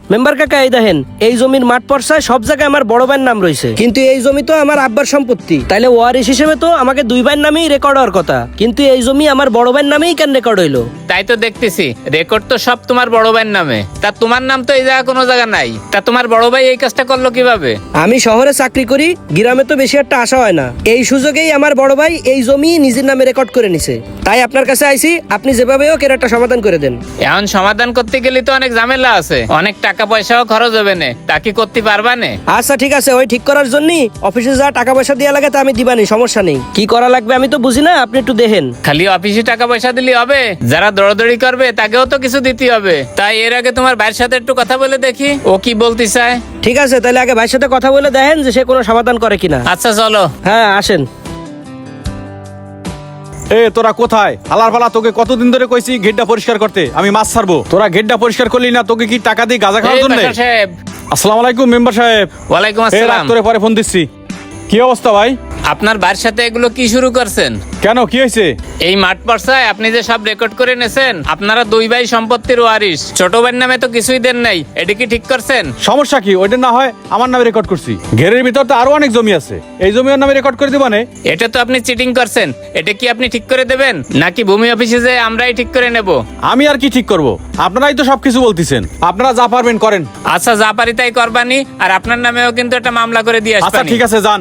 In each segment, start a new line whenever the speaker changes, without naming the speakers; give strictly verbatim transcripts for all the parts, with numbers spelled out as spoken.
Member কাকা এই দেখেন, এই জমির মাঠ পর্সায় সব জায়গায় আমার বড় ভাইয়ের নাম রয়েছে, কিন্তু এই জমি তো আমার আব্বার সম্পত্তি। তাইলে ওয়ারিশ হিসেবে তো আমাকে দুই ভাইয়ের নামেই রেকর্ড হওয়ার কথা, কিন্তু এই জমি আমার বড় ভাইয়ের নামেই কেন রেকর্ড হইলো?
তাই তো দেখতেছি, রেকর্ড তো সব তোমার বড় ভাইয়ের নামে। তা তোমার নাম তো এই জায়গা কোনো জায়গা নাই। তা তোমার বড় ভাই এই কাজটা করলো কিভাবে?
আমি শহরে চাকরি করি, গ্রামে তো বেশি একটা আশা হয় না। এই সুযোগেই আমার বড় ভাই এই জমি নিজের নামে রেকর্ড করে নিছে। তাই আপনার কাছে আইছি, আপনি যেভাবে হোক এর একটা সমাধান করে দেন।
এখন সমাধান করতে গেলে তো অনেক ঝামেলা আছে, অনেক টাকা পয়সাও খরচ হবে না। তা কি করতে পারবা না?
আচ্ছা ঠিক আছে, ওই ঠিক করার জন্য অফিসে যা টাকা পয়সা দেওয়া লাগে তা আমি দিবানি, সমস্যা নেই। কি করা লাগবে আমি তো বুঝি না, আপনি একটু দেখেন।
খালি অফিসে টাকা পয়সা দিলে হবে? যারা দৌড়াদৌড়ি করবে তাকেও তো কিছু দিতে হবে। তাই এর আগে তোমার ভাইয়ের সাথে একটু কথা বলে দেখি ও কি বলতে চায়।
ঠিক আছে, তাহলে আগে ভাইয়ের সাথে কথা বলে দেখেন যে সে কোনো সমাধান করে কিনা।
আচ্ছা চলো।
হ্যাঁ আসেন।
এ তোরা কোথায়? হালার পালা, তোকে কতদিন ধরে কইছি গেটটা পরিষ্কার করতে, আমি মাছ ছাড়বো। তোরা গেটটা পরিষ্কার করলি না, তোকে কি টাকা দিয়ে গাঁজা খাওয়ার
এই
জন্য?
বাশার সাহেব।
আসসালামু আলাইকুম মেম্বার সাহেব।
ওয়ালাইকুম
এ রাখ,
আসসালাম।
তোরে পরে ফোন দিচ্ছি। কি অবস্থা ভাই?
আপনার ভাইয়ের সাথে এগুলো কি শুরু করছেন?
কেন, কি হয়েছে?
এই মাঠ পর্সায় আপনি যে সব রেকর্ড করে নেছেন, আপনারা দুই ভাই সম্পত্তির ওয়ারিশ। ছোট ভাইয়ের নামে তো কিছুই দেন নাই, এটা কি ঠিক করছেন?
সমস্যা কি? ওইটা না হয় আমার নামে রেকর্ড করছি, ঘেরের ভিতর তো আরো অনেক জমি আছে, এই জমি ওর নামে রেকর্ড করে দিবা না?
এটা তো আপনি চিটিং করছেন, এটা কি আপনি ঠিক করে দেবেন নাকি ভূমি অফিসে যে আমরাই ঠিক করে নেব?
আমি আর কি ঠিক করব? আপনারাই তো সবকিছু বলতেছেন, আপনারা যা পারবেন করেন।
আচ্ছা যা পারি তাই করবানি, আর আপনার নামেও কিন্তু একটা মামলা করে দিয়ে
আচ্ছা
আসবানি।
ঠিক আছে, যান।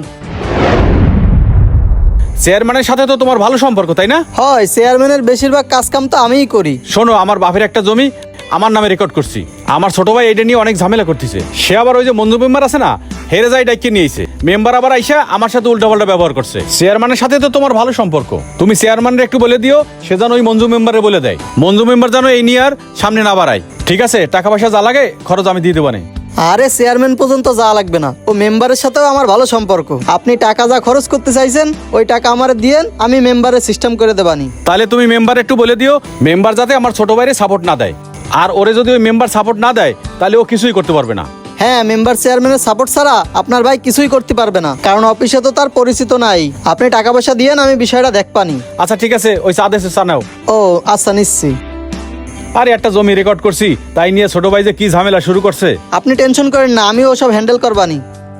চেয়ারম্যানের সাথে তো তোমার ভালো সম্পর্ক, তাই না?
হয়, চেয়ারম্যানের বেশিরভাগ কাজ কাম তো আমিই করি।
শোনো, আমার বাপের একটা জমি আমার নামে রেকর্ড করছি, আমার ছোট ভাই এটা নিয়ে অনেক ঝামেলা করতেছে। সে আবার ওই যে মঞ্জু মেম্বার আছে না, হেরে যাই ডাইকে নিয়েছে। মেম্বার আবার আইসা আমার সাথে উল্টাপাল্টা ব্যবহার করছে। চেয়ারম্যানের সাথে তো তোমার ভালো সম্পর্ক, তুমি চেয়ারম্যানের একটু বলে দিও, সে যেন ওই মঞ্জু মেম্বারে বলে দেয়। মঞ্জু মেম্বার যেন এই নিয়ে আর সামনে না বাড়ায়। ঠিক আছে, টাকা পয়সা যা লাগে খরচ আমি দিয়ে দেবো না।
আরে চেয়ারম্যান পর্যন্ত যা লাগবে না, ও মেম্বারের সাথেও আমার ভালো সম্পর্ক। আপনি টাকা যা খরচ করতে চাইছেন ওই টাকা আমারে দিয়েন, আমি মেম্বারের সিস্টেম করে দেবানি।
তাহলে তুমি মেম্বার একটু বলে দিও, মেম্বার যাতে আমার ছোট ভাইয়ের সাপোর্ট না দেয়। আর ওরে যদি ওই মেম্বার সাপোর্ট না দেয় তাহলে ও কিছুই করতে পারবে না।
হ্যাঁ, মেম্বার চেয়ারম্যানের সাপোর্ট ছাড়া আপনার ভাই কিছুই করতে পারবে না, কারণ অফিসে তো তার পরিচিত নাই। আপনি টাকা পয়সা দিয়েন, আমি বিষয়টা দেখবানি।
আচ্ছা ঠিক আছে, ওই চা দেশে চা নাও।
ও আচ্ছা, নিচ্ছি।
আরে একটা জমি রেকর্ড করছি, তাই নিয়ে ছোট ভাই যে কি ঝামেলা শুরু করছে।
আপনি টেনশন করেন না, আমি ওসব হ্যান্ডেল করবানি।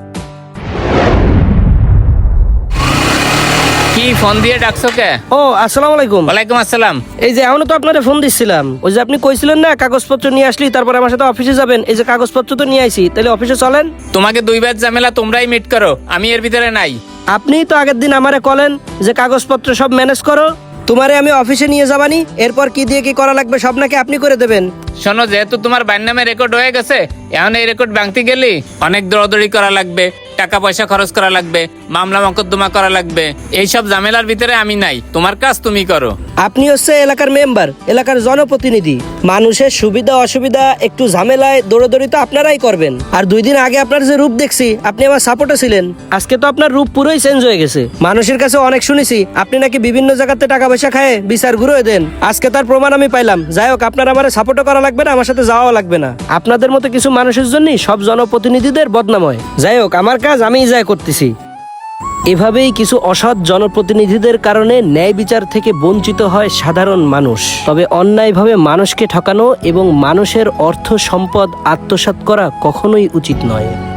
কি ফোন দিয়ে ডাকছো কে?
ও আসসালামু আলাইকুম।
ওয়ালাইকুম আসসালাম।
এই যে এখনো তো আপনারে ফোন দিচ্ছিলাম, ওই যে আপনি কইছিলেন না কাগজপত্র নিয়ে আসলি তারপর আমার সাথে অফিসে যাবেন, এই যে কাগজপত্র তো নিয়ে আইছি, তাহলে অফিসে চলেন।
তোমাকে দুই ভাইয়ের ঝামেলা তোমরাই মিট করো, আমি এর ভিতরে নাই।
আপনিই তো আগের দিন আমারে কলেন যে কাগজপত্র সব ম্যানেজ করো, তোমারে আমি অফিসে নিয়ে যাবানি, এরপর কি দিয়ে কি করা লাগবে সব নাকি আপনি করে দেবেন।
শোনো, যেহেতু তোমার ভাইয়ের নামে রেকর্ড হয়ে গেছে, এখন এই রেকর্ড ভাঙতে গেলে অনেক দৌড়াদৌড়ি করা লাগবে, টাকা পয়সা খরচ করা লাগবে, মামলা মকদ্দমা করা লাগবে। এইসব ঝামেলার ভিতরে আমি নাই, তোমার কাজ তুমি করো।
আপনি হচ্ছে এলাকার মেম্বার, এলাকার জনপ্রতিনিধি, মানুষের সুবিধা অসুবিধা একটু ঝামেলায় দৌড়াদৌড়ি তো আপনারাই করবেন। আর দুই দিন আগে আপনার যে রূপ দেখছি, আপনি আমার সাপোর্টে ছিলেন, আজকে তো আপনার রূপ পুরোই চেঞ্জ হয়ে গেছে। মানুষের কাছে অনেক শুনেছি আপনি নাকি বিভিন্ন জায়গাতে টাকা পয়সা খায় বিচার ঘুরে দেন, আজকে তার প্রমাণ আমি পাইলাম। যাই হোক, আপনার আমার সাপোর্টও করা লাগবে না, আমার সাথে যাওয়া লাগবে না। আপনাদের মতো কিছু মানুষের জন্যই সব জনপ্রতিনিধিদের বদনাম হয়। যাই হোক, আমার কাজ আমিই যাই করতেছি। এভাবেই কিছু অসৎ জনপ্রতিনিধিদের কারণে ন্যায় বিচার থেকে বঞ্চিত হয় সাধারণ মানুষ। তবে অন্যায়ভাবে মানুষকে ঠকানো এবং মানুষের অর্থ সম্পদ আত্মসাৎ করা কখনোই উচিত নয়।